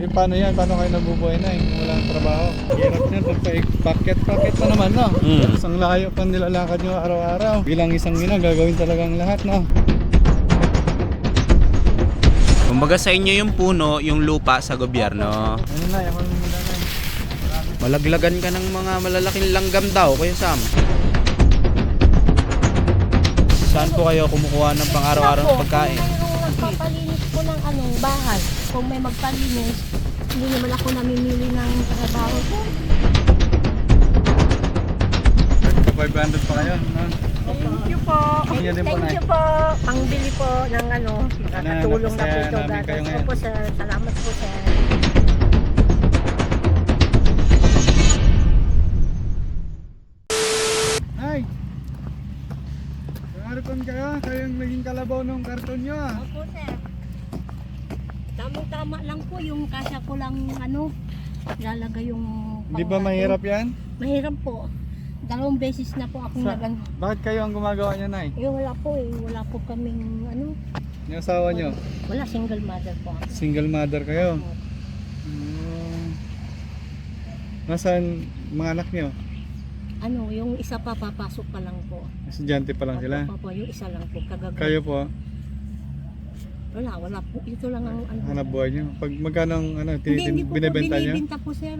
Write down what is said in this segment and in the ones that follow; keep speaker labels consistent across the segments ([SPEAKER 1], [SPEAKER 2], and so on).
[SPEAKER 1] Paano yan? Paano kayo nabubuhay na kung walang trabaho? Hirap niyan pagpa-packet pa naman, no? Isang layo pa nilalakad nyo araw-araw. Bilang isang ina, gagawin talagang lahat, no?
[SPEAKER 2] Kumbaga sa inyo yung puno, yung lupa sa gobyerno.
[SPEAKER 1] Ano na, ako nung nanay.
[SPEAKER 2] Malaglagan ka ng mga malalaking langgam daw, Kuya Sam. Saan po kayo kumukuha ng pang-araw-araw na pagkain?
[SPEAKER 3] Nagpapalinis po ng bahay. Kung may magpalinis, hindi naman ako namimili ng trabaho ko.
[SPEAKER 1] 500 pa kayo, no?
[SPEAKER 3] Thank you po.
[SPEAKER 1] Thank you din po,
[SPEAKER 3] Thank
[SPEAKER 1] Nay.
[SPEAKER 3] you po. Pangbili po ng nakatulong na po
[SPEAKER 1] napasaya
[SPEAKER 3] ito.
[SPEAKER 1] namin kayo ngayon.
[SPEAKER 3] Opo sir. Salamat po sir.
[SPEAKER 1] Ay! Harapan kayo, kayong naging kalabaw ng karton nyo, ah.
[SPEAKER 3] Opo sir. Tamang-tama lang po yung kasya ko lang ilalagay yung
[SPEAKER 1] Hindi ba mahirap yan?
[SPEAKER 3] Mahirap po. 2 beses na po akong
[SPEAKER 1] Bakit kayo ang gumagawa niya, Nay?
[SPEAKER 3] wala po wala po kaming
[SPEAKER 1] Yung asawa nyo?
[SPEAKER 3] wala, single mother po ako.
[SPEAKER 1] Single mother kayo? Nasaan mga anak nyo?
[SPEAKER 3] Yung isa pa papasok pa lang po.
[SPEAKER 1] Estudyante pa lang sila?
[SPEAKER 3] Opo, yung isa lang po kagagal.
[SPEAKER 1] Kayo po,
[SPEAKER 3] Wala po. Ito lang ang
[SPEAKER 1] hanap buhay nyo? Pag magkano ang
[SPEAKER 3] Hindi po
[SPEAKER 1] binibenta nyo?
[SPEAKER 3] binibenta po sir.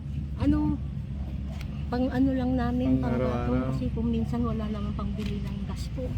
[SPEAKER 3] Pang lang namin,
[SPEAKER 1] Pang
[SPEAKER 3] pang
[SPEAKER 1] araw-araw.
[SPEAKER 3] kasi kung minsan wala naman pangbili ng gas po.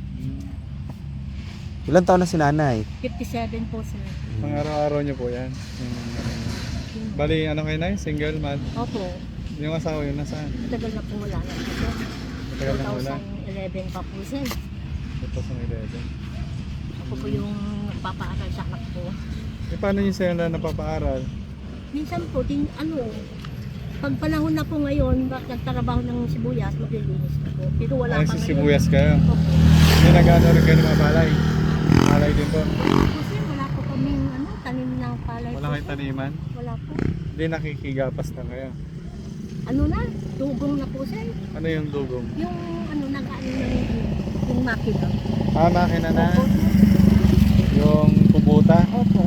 [SPEAKER 2] Ilan taon na si nanay?
[SPEAKER 3] 57 po sir.
[SPEAKER 1] Pang araw-araw nyo po yan? Bali, ano kayo, Nay? Single man?
[SPEAKER 3] Opo,
[SPEAKER 1] Yung asawa yun, nasaan?
[SPEAKER 3] matagal na po wala na po sir.
[SPEAKER 1] Matagal na wala.
[SPEAKER 3] 2011 pa po sir.
[SPEAKER 1] Ito sa Nagdede.
[SPEAKER 3] Ako po yung papaaral sa anak ko.
[SPEAKER 1] Paano nyo sila napapaaral?
[SPEAKER 3] Minsan po, pag panahon na po ngayon, nagtrabaho ng sibuyas, maglilinis na po. Pero wala
[SPEAKER 1] Ay,
[SPEAKER 3] pa
[SPEAKER 1] si
[SPEAKER 3] ngayon.
[SPEAKER 1] sibuyas kayo?
[SPEAKER 3] Opo.
[SPEAKER 1] May nag-ano rin kayo ng mga palay? Palay din po?
[SPEAKER 3] Kasi wala po kaming tanim ng palay
[SPEAKER 1] Wala
[SPEAKER 3] po,
[SPEAKER 1] kayong
[SPEAKER 3] sir.
[SPEAKER 1] taniman?
[SPEAKER 3] Wala po.
[SPEAKER 1] Hindi, nakikigapas na kayo.
[SPEAKER 3] Dugong na po sir.
[SPEAKER 1] Ano yung dugong?
[SPEAKER 3] Yung nag-ano na yung makina.
[SPEAKER 1] Makina na?
[SPEAKER 3] Opo.
[SPEAKER 1] Yung kubuta?
[SPEAKER 3] Opo.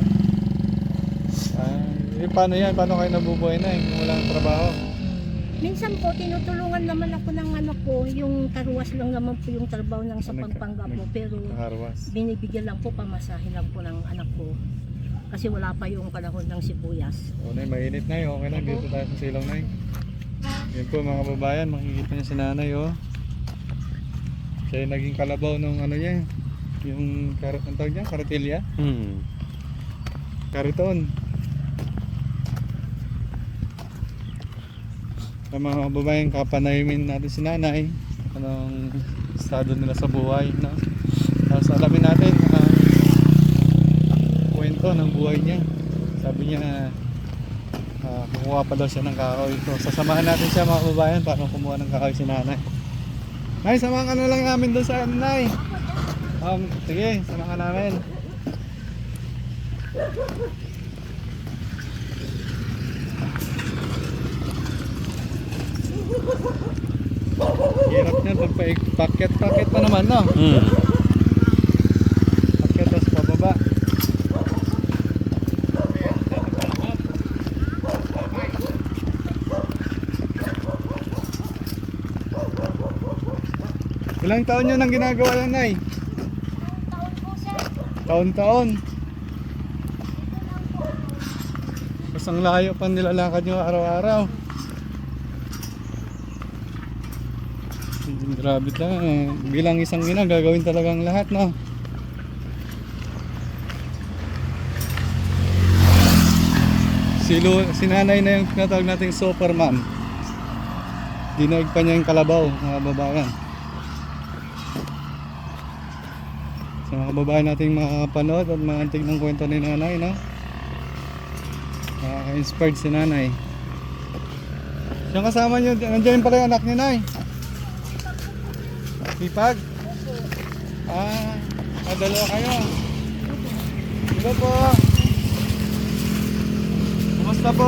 [SPEAKER 1] Paano yan? Paano kayo nabubuhay na kung walang trabaho?
[SPEAKER 3] Minsan po, tinutulungan naman ako ng anak ko. Yung taruwas lang naman po yung trabaho ng sa Pampanga po. Pero
[SPEAKER 1] Kaharwas.
[SPEAKER 3] binibigyan lang po, pamasahin lang po ng anak ko. Kasi wala pa yung panahon ng sibuyas.
[SPEAKER 1] O, Nay, mainit na yun. Okay lang, dito tayo sa silong, Nay. Yan po mga babayan, makikita niyo si nanay, oh. Siya yung naging kalabaw ng niya. Yung, ang tawag niya? Karatilya? Kariton. Sa mga babaeng kapanayimin natin si nanay, anong estado nila sa buhay, no? Tapos alamin natin kwento ng buhay niya. Sabi niya kumuha pa daw siya ng kahoy. So sasamahan natin siya mga babayan para kumuha ng kahoy si nanay. Nay, samahan ka na lang namin doon sa nanay. Sige, samahan ka namin. Hirap niyan pagpa-packet pa naman, no? Packet tapos pababa. Ilang taon nyo nang ginagawa yan, Nay?
[SPEAKER 3] Taon po sir.
[SPEAKER 1] Taon-taon. Isang layo pa nilalakad nyo araw-araw. Grabe ta. Bilang isang ina, gagawin talagang lahat, no? Si nanay na yung tinatawag nating Superman. Dinaig pa niya yung kalabaw, mga babayan. Sa mga babae nating makakapanood at makantig ng kwento ni nanay, no? Nakaka-inspired si nanay. Yung kasama nyo, nandiyan pala yung anak ni Nay. Sipag? Dalawa kayo. Hello po. Kumusta po?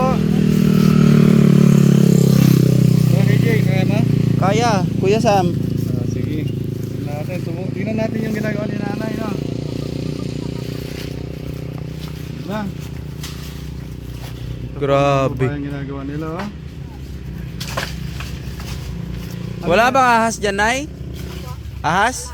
[SPEAKER 1] Okay, Jay, kaya na?
[SPEAKER 2] Kaya, Kuya Sam.
[SPEAKER 1] Sige. Tingnan natin yung ginagawa ni nanay, no? Na.
[SPEAKER 2] Grabe.
[SPEAKER 1] Ang ginagawa nila, oh.
[SPEAKER 2] Wala bang ahas dyan, Nay? Ahas?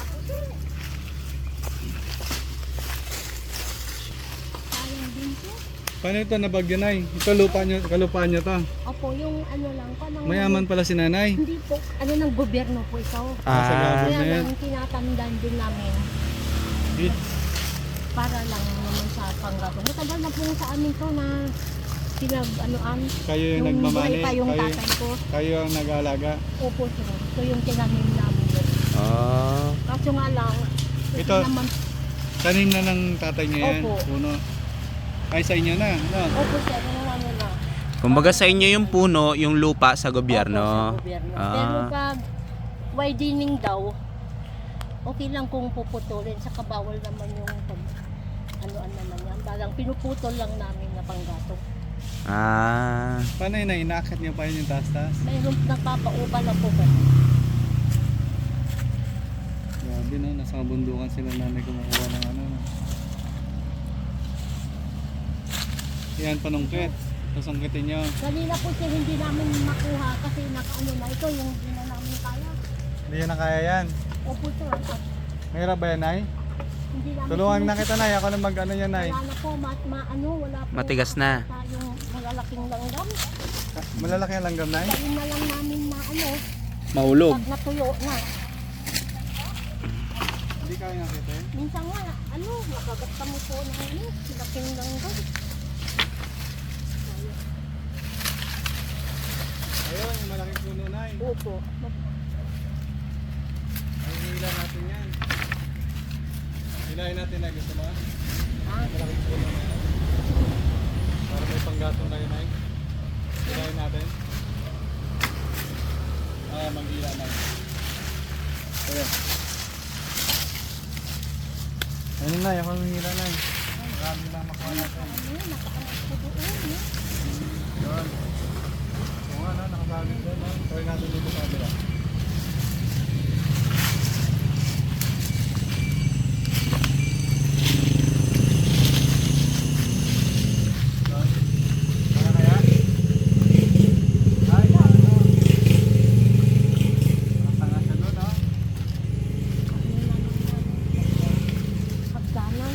[SPEAKER 3] Sayang din po.
[SPEAKER 1] Paano ito nabagyo, Nay? Ito kalupaan nyo to.
[SPEAKER 3] Opo, yung ano lang po.
[SPEAKER 1] Mayaman pala si nanay.
[SPEAKER 3] Hindi po, ano ng gobyerno po ito.
[SPEAKER 1] Sa
[SPEAKER 2] Ah,
[SPEAKER 3] Kaya
[SPEAKER 1] government.
[SPEAKER 3] lang tinatandan din namin para lang naman sa panggatong. Matagal na po sa amin to na pinag-anoan.
[SPEAKER 1] Kayo yung
[SPEAKER 3] Nung
[SPEAKER 1] nagmamani.
[SPEAKER 3] buhay pa yung
[SPEAKER 1] Kayo,
[SPEAKER 3] tatay ko.
[SPEAKER 1] kayo ang nag-aalaga.
[SPEAKER 3] Opo, sir. Ito yung tinanim namin.
[SPEAKER 2] ah.
[SPEAKER 3] Kaso nga lang, kasi
[SPEAKER 1] Ito.
[SPEAKER 3] naman,
[SPEAKER 1] Tanim na ng tatay niya yan.
[SPEAKER 3] Opo.
[SPEAKER 1] Puno. Ay, sa inyo na. No?
[SPEAKER 3] opo sir, ano na.
[SPEAKER 2] Kumbaga sa inyo yung puno, yung lupa sa
[SPEAKER 3] Opo,
[SPEAKER 2] gobyerno.
[SPEAKER 3] sa gobyerno.
[SPEAKER 2] Ah.
[SPEAKER 3] Pero pag widening daw, okay lang kung puputulin. Saka bawal naman yung pag, ano naman yan. Parang pinuputol lang namin na panggatong.
[SPEAKER 2] Ah.
[SPEAKER 1] Paano yun na? Inaakit niyo pa yun yung taas-taas?
[SPEAKER 3] Mayroon nagpapaupa na po kasi.
[SPEAKER 1] Grabe, no? Nasa kabundukan sila nanay kumukuha ng ano. No? Yan, panungkit. Susungkitin nyo.
[SPEAKER 3] Kanina po siya hindi namin makuha kasi nakaano na ito yung hindi na namin kaya.
[SPEAKER 1] Hindi yan na kaya yan.
[SPEAKER 3] Opo sir, at
[SPEAKER 1] Mahirap ba yan, Nay?
[SPEAKER 3] hindi namin
[SPEAKER 1] Tulungan na kita, Nay. Ako na mag-ano yan, Nay.
[SPEAKER 3] wala na po, wala po.
[SPEAKER 2] Matigas na.
[SPEAKER 3] Yung malalaking langgam.
[SPEAKER 1] Malalaki ang langgam, Nay?
[SPEAKER 3] Kain na lang namin na
[SPEAKER 2] Maulog.
[SPEAKER 3] pag natuyo na.
[SPEAKER 1] Hindi kaya nakita eh.
[SPEAKER 3] Minsan nga, makagat kami po ng laking langgam.
[SPEAKER 1] Ayun, yung malaking puno, Nay.
[SPEAKER 3] Opo.
[SPEAKER 1] Ay, hila natin yan. Hilahin natin, Nay. Gusto mo?
[SPEAKER 3] Ah,
[SPEAKER 1] Malaking puno na yan. Para may panggatong kayo, Nay. Hilahin natin. Manghila, Nay. Ayun. Ayun, Nay. Ako manghila, Nay. Marami lang makuha natin.
[SPEAKER 3] nakaanap po doon.
[SPEAKER 1] Yun. Oo nga, no? Nakabagin doon. No? Try natin dito sa kabila. Kaya kaya? Ay, ano? Nakatanga siya doon, no?
[SPEAKER 3] Hagdanan.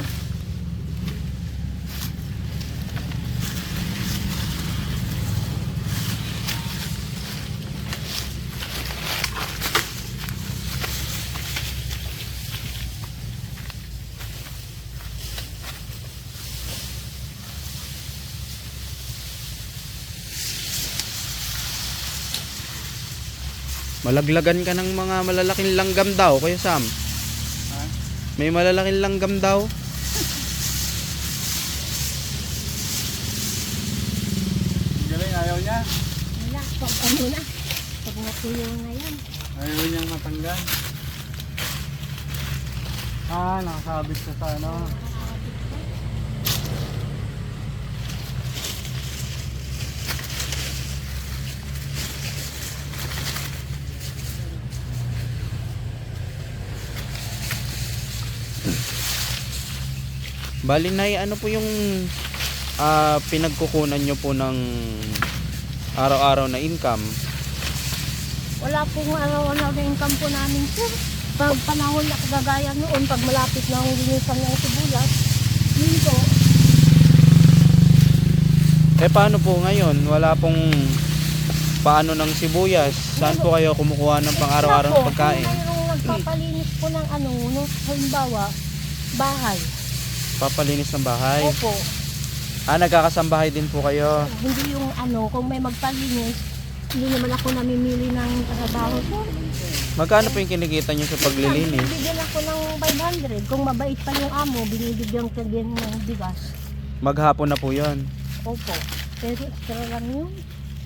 [SPEAKER 2] Malaglagan ka ng mga malalaking langgam daw, Kuya Sam.
[SPEAKER 1] Ha?
[SPEAKER 2] May malalaking langgam daw.
[SPEAKER 1] Galing, ayaw niya.
[SPEAKER 3] Wala, pag ano na. Pag natuyo na yan.
[SPEAKER 1] Ayaw niyang matanggal. Nakasabit siya sa ano.
[SPEAKER 2] Bali, Nay, ano po yung pinagkukunan nyo po ng araw-araw na income?
[SPEAKER 3] Wala pong araw-araw na income po namin sir. Pag panahon na kagaya noon, pag malapit na ang linisan ng sibuyas, yun po.
[SPEAKER 2] Eh paano po ngayon? Wala pong paano ng sibuyas? Saan po kayo kumukuha ng pang-araw-araw na pagkain?
[SPEAKER 3] Kung mayroong nagpapalinis po ng no, halimbawa, bahay.
[SPEAKER 2] Papalinis ng bahay?
[SPEAKER 3] Opo.
[SPEAKER 2] Nagkakasambahay din po kayo.
[SPEAKER 3] Hindi yung kung may magpalinis, hindi naman ako namimili ng trabaho po.
[SPEAKER 2] Magkano po yung kinikita nyo sa paglilinis?
[SPEAKER 3] Bibigyan ako ng 500. Kung mabait pa yung amo, binibigyan ko din ng bigas.
[SPEAKER 2] Maghapon na po yon.
[SPEAKER 3] Opo. Pero extra lang yun.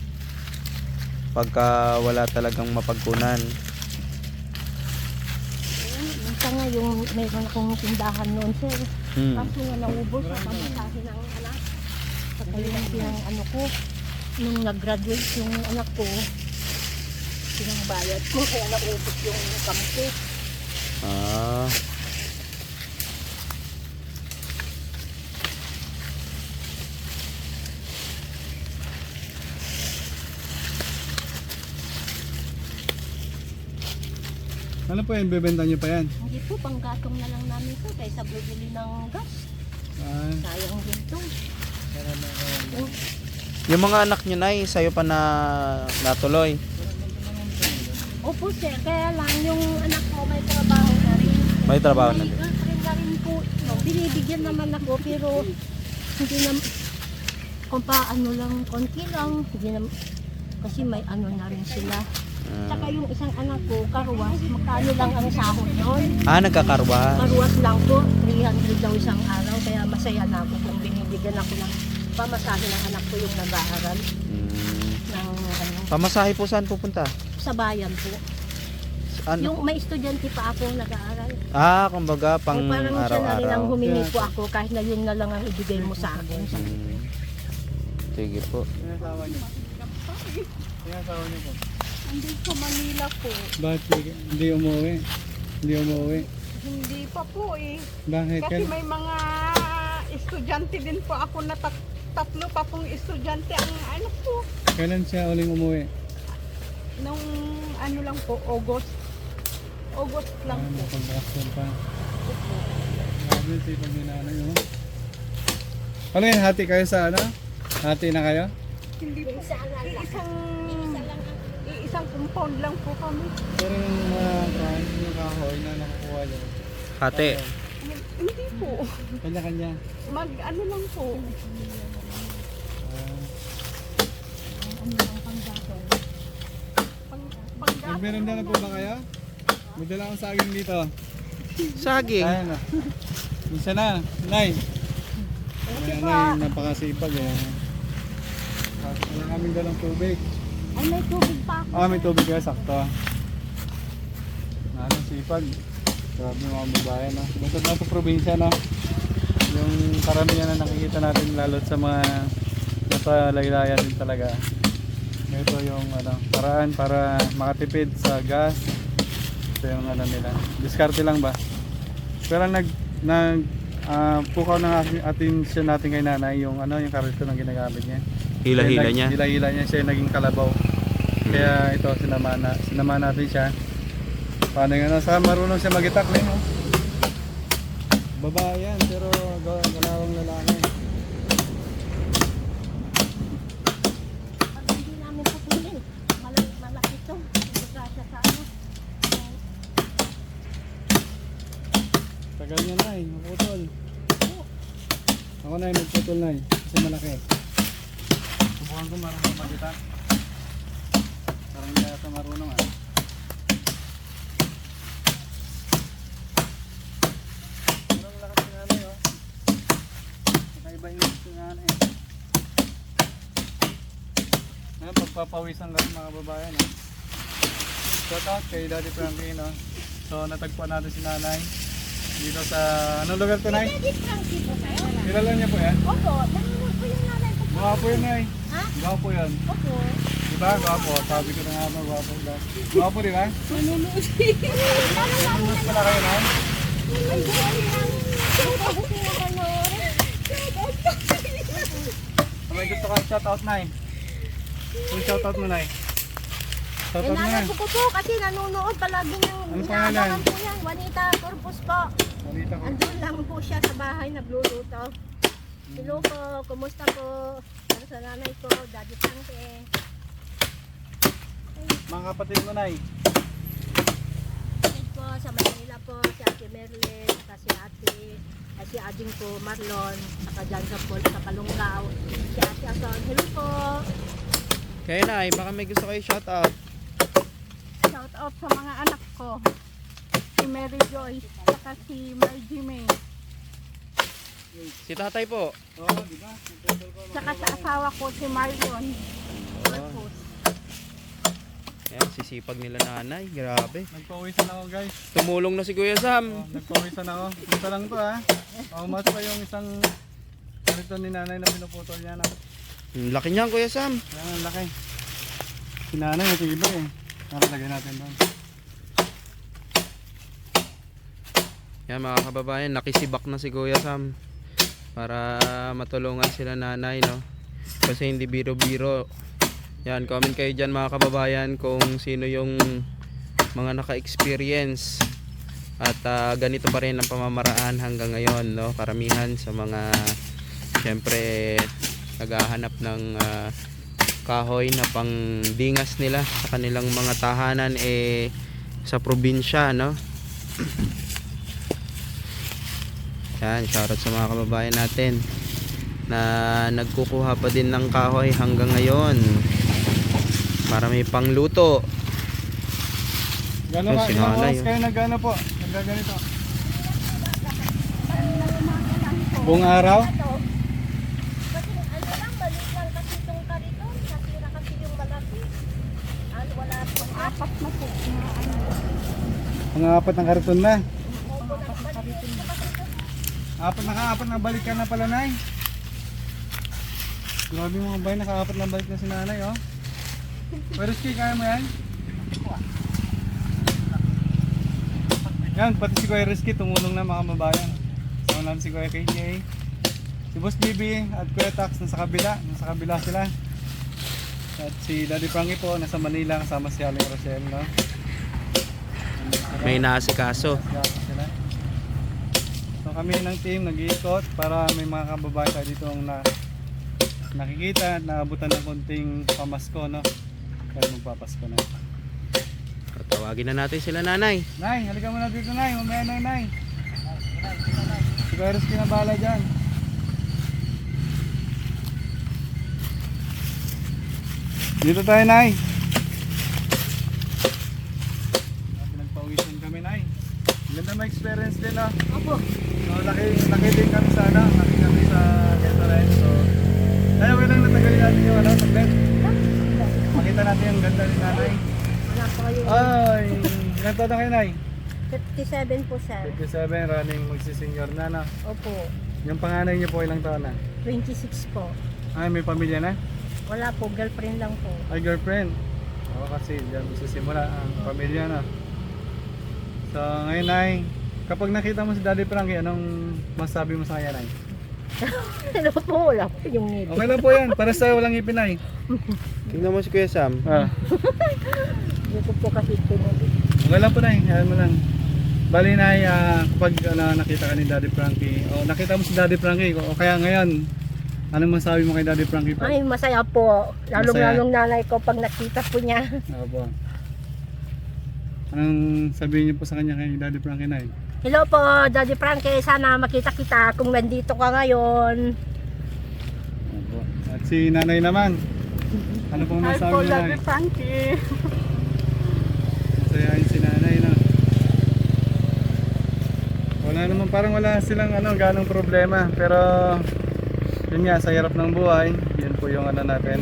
[SPEAKER 2] Pagka wala talagang mapagkunan.
[SPEAKER 3] Minsan nga yung meron akong tindahan noon sir. Kaso nga naubos sa pamasahe ng anak. Saka yung pinang ko, nung nag-graduate yung anak ko, pinangbayad ko, kaya naubos yung kampo.
[SPEAKER 2] Ah.
[SPEAKER 1] Ano po yan? Bebenta nyo pa yan?
[SPEAKER 3] Hindi po, panggatong na lang namin ito kaysa bibili ng gas.
[SPEAKER 1] Ah,
[SPEAKER 3] Sayang din ito.
[SPEAKER 2] Yung mga anak nyo, Nay, sa'yo pa na natuloy.
[SPEAKER 3] Opo sir, kaya lang yung anak ko may trabaho na rin.
[SPEAKER 2] May trabaho na
[SPEAKER 3] May
[SPEAKER 2] din.
[SPEAKER 3] girlfriend na rin po. No, binibigyan naman ako pero hindi na kung paano lang, konti lang. Hindi na, kasi may ano na rin sila. Saka yung isang anak ko, karuwas, magkano lang ang sahod noon.
[SPEAKER 2] Nagkakarwa.
[SPEAKER 3] Karuwas lang po, 300 daw isang araw. Kaya masaya na ako kung binibigyan ako ng pamasahe ng anak ko yung nag-aaral. Ng, ano,
[SPEAKER 2] Pamasahe po saan pupunta?
[SPEAKER 3] sa bayan po.
[SPEAKER 2] Ano?
[SPEAKER 3] Yung may estudyante pa ako nag-aaral.
[SPEAKER 2] Kumbaga pang
[SPEAKER 3] Kung parang siya na rin ang
[SPEAKER 2] araw-araw.
[SPEAKER 3] humingi po ako kahit na yun na lang ang ibigay mo sa akin.
[SPEAKER 2] Sige po.
[SPEAKER 1] sinasawa nyo. Sinasawa nyo po.
[SPEAKER 4] Andun sa Manila po.
[SPEAKER 1] Bakit hindi umuwi? Hindi umuwi.
[SPEAKER 4] Hindi pa po eh.
[SPEAKER 1] Bakit?
[SPEAKER 4] Kasi may mga estudyante din po ako na tatlo pa pong estudyante ang ano po.
[SPEAKER 1] Kailan siya uling umuwi?
[SPEAKER 4] Nung ano lang po, August. August lang po.
[SPEAKER 1] Pag-action pa. Grabe, sipag ni nanay, oh. Ano yan? Hati kayo sa ano? Hati na kayo?
[SPEAKER 4] Hindi po.
[SPEAKER 3] Sana lang.
[SPEAKER 4] Isang compound lang po kami.
[SPEAKER 1] Pero yung mga yung kahoy na nakukuha nyo.
[SPEAKER 2] Hati.
[SPEAKER 4] Hindi po.
[SPEAKER 1] Kanya-kanya.
[SPEAKER 4] Ano lang po.
[SPEAKER 1] Ah. Nagmerenda na po ba kayo? May dala akong saging dito.
[SPEAKER 2] Saging.
[SPEAKER 1] Ayan na. Isa na. Nay. Ayan na yung napakasipag eh. Wala kaming dalang tubig.
[SPEAKER 3] Ay, may tubig pa ako.
[SPEAKER 1] May tubig kaya sakto. Ano, sipag. Grabe mga babae, no? Basta na sa probinsya, no? Yung karamihan na nakikita natin lalo sa mga nasa laylayan din talaga. Ito yung ano, paraan para makatipid sa gas. Ito yung ano nila. Diskarte lang ba? Pero pukaw ng atensyon natin kay nanay yung ano, yung karito na ginagamit niya.
[SPEAKER 2] Hila-hila niya.
[SPEAKER 1] Hila-hila niya siya yung naging kalabaw. Kaya ito sinama natin siya. Paano yung ano, saka marunong siya mag-itak na yun. Babae yan, pero galawang lalaki.
[SPEAKER 3] Pag hindi namin pupulin, malaki ito. Magkasya sa ano.
[SPEAKER 1] Tagal niya na maputol. Ako na magputol na kasi malaki. Subukan ko marunong mag-itak. Parang hindi ata marunong Parang lakas si nanay Nakaiba yung si nanay. Ngayon pagpapawisan lang mga babayan Shout out kay Daddy Frankie So natagpuan natin si nanay dito sa anong lugar to, Nay?
[SPEAKER 3] Daddy Frankie po kayo?
[SPEAKER 1] Kilala niya po yan?
[SPEAKER 3] Opo, nanonood po yung nanay ko po.
[SPEAKER 1] Gwapo yun, Nay.
[SPEAKER 3] Ha?
[SPEAKER 1] Gwapo yun.
[SPEAKER 3] Opo.
[SPEAKER 1] Diba? Gwapo. Sabi ko na nga ba, gwapo. Gwapo, di ba?
[SPEAKER 4] Manunood.
[SPEAKER 1] Nanonood pala kayo, Nay?
[SPEAKER 3] Ay, buwan namin. Opo, gusto niya panoorin.
[SPEAKER 1] May gusto ka shout out, Nay. Yung shout out mo, Nay. Shout out mo,
[SPEAKER 3] Nanay
[SPEAKER 1] Nay.
[SPEAKER 3] ko po kasi nanonood palagi ng
[SPEAKER 1] Ano pangalan?
[SPEAKER 3] inaabangan po yan. Juanita Corpus po.
[SPEAKER 1] Salita ko.
[SPEAKER 3] Andun lang po siya sa bahay nagluluto. Hello po, kumusta po? Para sa nanay ko, Daddy Frankie.
[SPEAKER 1] Mga kapatid mo, Nay.
[SPEAKER 3] Kapatid po sa Manila po, si Ate Merlin, si Ate, si Ading po, Marlon, saka dyan sa Paul, sa Kalunggao, si Ate Ason. Hello po.
[SPEAKER 2] Kaya Nay, baka may gusto kayo shout out.
[SPEAKER 4] Shout out sa mga anak ko. Si Mary Joyce, saka si Margie May.
[SPEAKER 2] Si tatay po.
[SPEAKER 1] Oo, di ba?
[SPEAKER 4] Saka sa asawa ko, si Marion. Corpus.
[SPEAKER 2] Ayan, sisipag nila nanay. Grabe.
[SPEAKER 1] Nagpawisan ako, guys.
[SPEAKER 2] Tumulong na si Kuya Sam.
[SPEAKER 1] Nagpawisan ako. Ito lang to, ha. Mas pa yung isang karito ni nanay na pinuputol niya na.
[SPEAKER 2] Laki niyan, Kuya Sam.
[SPEAKER 1] Yan ang laki. Si nanay, matibay eh. Nakalagay natin doon.
[SPEAKER 2] Yan mga kababayan, nakisibak na si Kuya Sam para matulungan sila nanay, no? Kasi hindi biro-biro. Yan, comment kayo dyan mga kababayan kung sino yung mga naka-experience. At ganito pa rin ang pamamaraan hanggang ngayon, no? Karamihan sa mga syempre naghahanap ng kahoy na pangdingas nila sa kanilang mga tahanan sa probinsya, no? Yan, shoutout sa mga kababayan natin na nagkukuha pa din ng kahoy hanggang ngayon para may pangluto.
[SPEAKER 1] Gano'n
[SPEAKER 2] Ay,
[SPEAKER 1] ka,
[SPEAKER 2] si
[SPEAKER 1] ilang
[SPEAKER 2] nanay,
[SPEAKER 1] oras
[SPEAKER 2] oh.
[SPEAKER 1] kayo nag-ano po? Nag-ganito? Buong araw?
[SPEAKER 3] Kasi ano lang, maliit lang kasi itong kariton. Nasira kasi yung malaki. Ano, wala pong
[SPEAKER 4] Apat na po. Na, ano,
[SPEAKER 1] Mga apat ng karton na.
[SPEAKER 3] opo na kariton.
[SPEAKER 1] Apat na balik ka na pala, Nay. Grabe mga bay, naka-apat na balik na si nanay, oh. Pero Ski, kaya mo yan? Yan, pati si Kuya Rizky tumulong na mga kababayan. Sama namin si Kuya KJ, si Boss Bibi at Kuya Tax nasa kabila sila. At si Daddy Frankie po nasa Manila kasama si Aling Rochelle, no?
[SPEAKER 2] May naasikaso.
[SPEAKER 1] Sila. So kami ng team nag-iikot para may mga kababayan tayo dito ang nakikita at naabutan ng konting pamasko, no? Kaya magpapasko na.
[SPEAKER 2] Tawagin na natin sila nanay.
[SPEAKER 1] Nay, halika muna dito, Nay. Mamaya na, Nay. Si Kuya Rizky na bahala dyan. Dito tayo, Nay. Pinagpawisan kami, Nay. Ganda may experience din, no?
[SPEAKER 3] Opo.
[SPEAKER 1] So, laki din kami sa, ano? Laki kami sa Quezon. So, ay, okay lang natagalin natin yung, ano, saglit. Makita natin yung ganda ni Nanay.
[SPEAKER 3] Wala po kayo.
[SPEAKER 1] Ay, ilan taon na kayo, Nay?
[SPEAKER 3] 57 po, sir.
[SPEAKER 1] 57, running magsisenior na, no?
[SPEAKER 3] Opo.
[SPEAKER 1] Yung panganay niyo po ilang taon na?
[SPEAKER 3] 26 po.
[SPEAKER 1] Ay, may pamilya na?
[SPEAKER 3] Wala po, girlfriend lang po.
[SPEAKER 1] Ay, girlfriend. Oo, kasi diyan magsisimula ang pamilya na. So, ngayon ay, kapag nakita mo si Daddy Frankie, anong masabi mo sa kanya, Nay?
[SPEAKER 3] Ano po, wala po yung ngiti.
[SPEAKER 1] Okay lang po yan, para sa walang ngipin, Nay.
[SPEAKER 2] Tingnan mo si Kuya Sam.
[SPEAKER 3] Hindi ko po kasi pinuli.
[SPEAKER 1] Okay lang po, Nay. Ayan mo lang. Bali, Nay, kapag nakita ka ni Daddy Frankie, o nakita mo si Daddy Frankie, o kaya ngayon, anong masabi mo kay Daddy Frankie po?
[SPEAKER 3] Ay, masaya po. Lalong-lalong nanay ko pag nakita po niya.
[SPEAKER 1] Opo. Anong sabihin niyo po sa kanya kay Daddy Frankie, Nay?
[SPEAKER 3] Hello po, Daddy Frankie. Sana makita kita kung nandito ka ngayon.
[SPEAKER 1] Opo. At si Nanay naman. Ano pong
[SPEAKER 4] Hi
[SPEAKER 1] masabi
[SPEAKER 4] po,
[SPEAKER 1] niyo, Nay?
[SPEAKER 4] Daddy Frankie.
[SPEAKER 1] Masayahin si Nanay, no? Wala naman, parang wala silang ganong problema. Pero, yun nga, sa hirap ng buhay, yun po yung natin.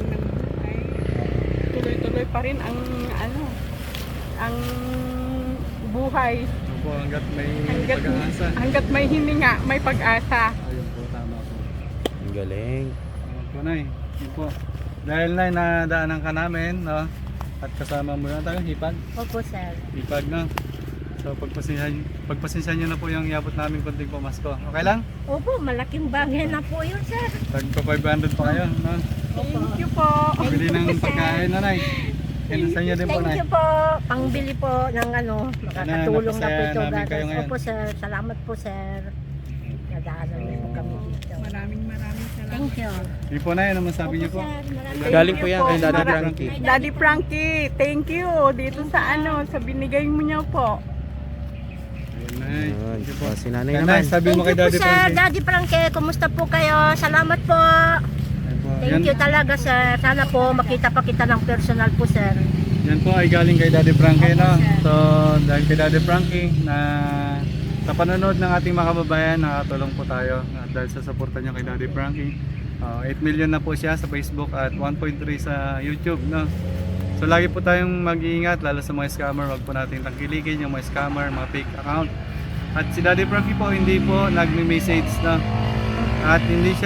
[SPEAKER 4] Tuloy-tuloy pa rin ang ang buhay.
[SPEAKER 1] Opo, hanggat may pag-aasa.
[SPEAKER 4] Hanggat may hininga, may pag-asa.
[SPEAKER 1] Ayun po, tama po.
[SPEAKER 2] Ang galing.
[SPEAKER 1] Ayun po, Nay. Yun po. Dahil, Nay, nadaanan ka namin, no? At kasama mo yun, tayo, hipag.
[SPEAKER 3] Opo, sir.
[SPEAKER 1] Hipag, no? So, pagpasensyahan nyo na po yung iabot namin konting pamasko. Okay lang?
[SPEAKER 3] Opo, malaking bagay na po yun, sir.
[SPEAKER 1] Tagpa 500 pa kayo, no?
[SPEAKER 4] Thank you po.
[SPEAKER 1] Bili ng pagkain, Nanay. Sa inyo din po,
[SPEAKER 3] Thank
[SPEAKER 1] Nay.
[SPEAKER 3] you po. Pangbili po ng makakatulong na po
[SPEAKER 1] napasaya
[SPEAKER 3] ito.
[SPEAKER 1] namin kayo ngayon.
[SPEAKER 3] Opo, sir. Salamat po, sir. Nadaanan niyo po kami dito.
[SPEAKER 4] Maraming salamat.
[SPEAKER 3] Thank you.
[SPEAKER 1] Hindi po, Nay. Ano masabi niyo po?
[SPEAKER 3] Sir, maraming
[SPEAKER 2] Galing po yan kay Daddy
[SPEAKER 4] Mara-
[SPEAKER 2] Frankie.
[SPEAKER 4] Daddy Frankie, thank you dito sa sa binigay mo niyo po.
[SPEAKER 1] Ayun, Nay.
[SPEAKER 2] Ayun,
[SPEAKER 1] Thank you po.
[SPEAKER 2] si nanay
[SPEAKER 1] Kaya,
[SPEAKER 2] naman.
[SPEAKER 1] Nay, sabi
[SPEAKER 3] Thank
[SPEAKER 1] mo kay
[SPEAKER 3] you po,
[SPEAKER 1] Daddy
[SPEAKER 3] sir.
[SPEAKER 1] Frankie.
[SPEAKER 3] Daddy Frankie, kumusta po kayo? Salamat po.
[SPEAKER 1] Yan po.
[SPEAKER 3] Thank you talaga, sir. Sana po makita pa kita ng personal po, sir.
[SPEAKER 1] Yan po ay galing kay Daddy Frankie, no?
[SPEAKER 3] Opo, sir.
[SPEAKER 1] So, dahil kay Daddy Frankie na sa panonood ng ating mga kababayan, nakatulong po tayo dahil sa suporta niyo kay Daddy Frankie. 8 million na po siya sa Facebook at 1.3 sa YouTube, no? So lagi po tayong mag-iingat lalo sa mga scammer, wag po natin tangkilikin yung mga scammer, mga fake account. At si Daddy Frankie po hindi po nagme-message, no? At hindi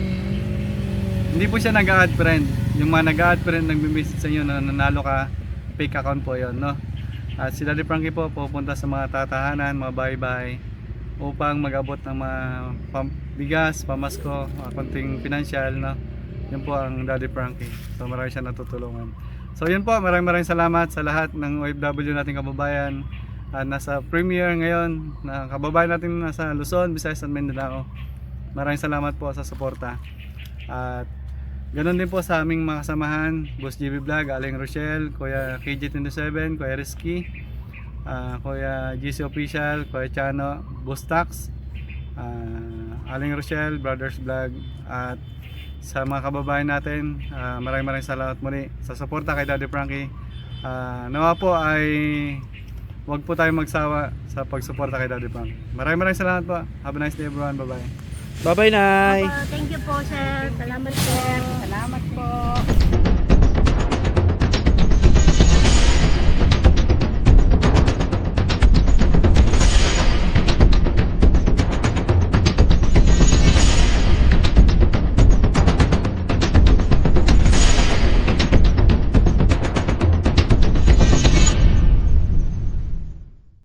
[SPEAKER 1] po siya nag-add friend. Yung mga nag-add friend nagme-message sa inyo na nanalo ka, fake account po 'yon, no? At si Daddy Frankie po pupunta sa mga tatahanan, mga bahay-bahay upang mag-abot ng mga bigas, pamasko, mga konting pinansyal, no? Yan po ang Daddy Frankie. So marami siya natutulungan. So yun po, maraming salamat sa lahat ng OFW nating kababayan. Nasa premiere ngayon na kababayan natin nasa Luzon, Visayas at Mindanao. Maraming salamat po sa suporta. At ganoon din po sa aming mga kasamahan, Boss GB Vlog, Aling Rochelle, Kuya KJ27, Kuya Rizky, Kuya GC Official, Kuya Chano, Boss Tax, Aling Rochelle, Brothers Vlog, at sa mga kababayan natin, maraming salamat muli sa suporta kay Daddy Frankie. Nawa po ay huwag po tayong magsawa sa pagsuporta kay Daddy Frankie. Maraming salamat po. Have a nice day everyone. Bye bye.
[SPEAKER 2] Bye-bye, Nay.
[SPEAKER 3] Thank you po, sir. Salamat, sir.
[SPEAKER 4] Salamat